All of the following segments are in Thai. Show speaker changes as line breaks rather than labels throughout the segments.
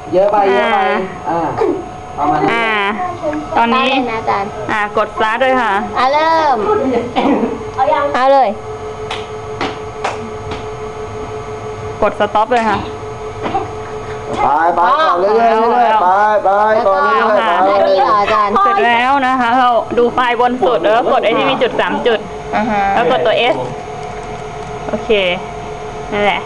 เยอะไปประมาณนี้
ตอนนี้
นะอาจารย์
กดสตาร์ทเลยค่ะ
เริ่มเอาเลย
กดสต็อปเลยค่ะ
ไปต่อเรื่อยๆไปต่อเรื่อยๆ
อาจารย์
เสร็จแล้วนะคะเราดูไฟล์บนสุดแล้วกดไอ้ที่มีจุด3 จุดแล้วกดตัว S โอเคนั่นแหละ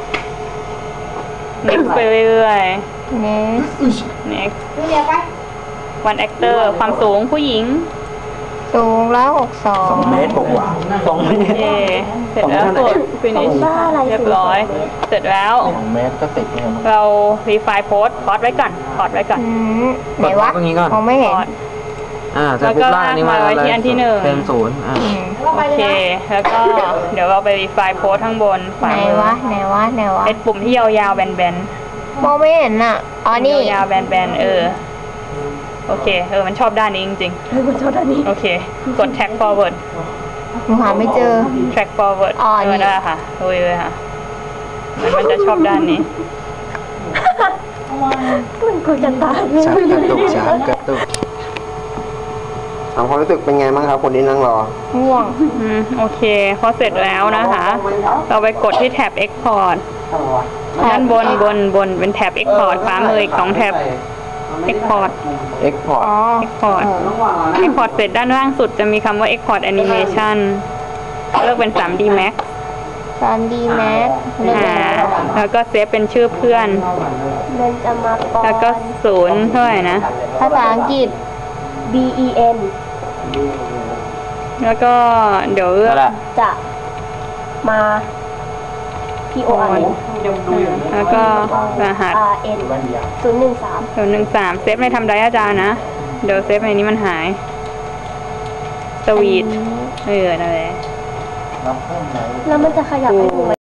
next ไปเรื่อยๆ next one actor ความสูงผู้หญิง
สูง162
2 เมตรกว่า2 เมตร
เสร็จแล้วกด finish เรียบร้อยเสร็จแล้ว
2 เมตรก็ติดเนี่ย
เรา refine post พอดไว้ก่อน
ไหนวะมองไม่เห็น
แล้วก็ลากมาไว้ที่อันที่1
เป็น0
โอเคแล้วก็เดี๋ยวเราไป refine post ข้างบน
ไหนวะ
เป็นปุ่มที่ยาวๆแบน
ๆมองไม่เห็นอ่ะนี่
ยาวๆแบนโอเคมันชอบด้านนี้จริงๆมันชอบด้านนี้โอเคกด track forward
หาไม่เจอ
track forward
นี่
ได้ค่ะดูเลยค่ะมันจะชอบด้านนี้
มันก็จะตาย
ช้ากระตุกความรู้สึกเป็นไงบ้างครับคนที่นั่งรอ
ง่วง
โอเคพอเสร็จแล้วนะคะเราไปกดที่แท็บ export ด้านบนเป็นแท็บ export ขวามืออีก2 แท็บexport เสร็จด้านล่างสุดจะมีคำว่า export animation เลือกเป็น 3D Max แล้วก็เซฟเป็นชื่อเพื่อนแล้วก็0เท่าไหร่นะ
ภาษาอังกฤษ BEN
แล้วก็เดี๋ยว
จะมา PON
แล้วก็รหัส013เซฟในทำไดอาจารย์นะเดี๋ยวเซฟในนี้มันหายสวีทนั่นแหละ
แล้วมันจะขยับให้ดู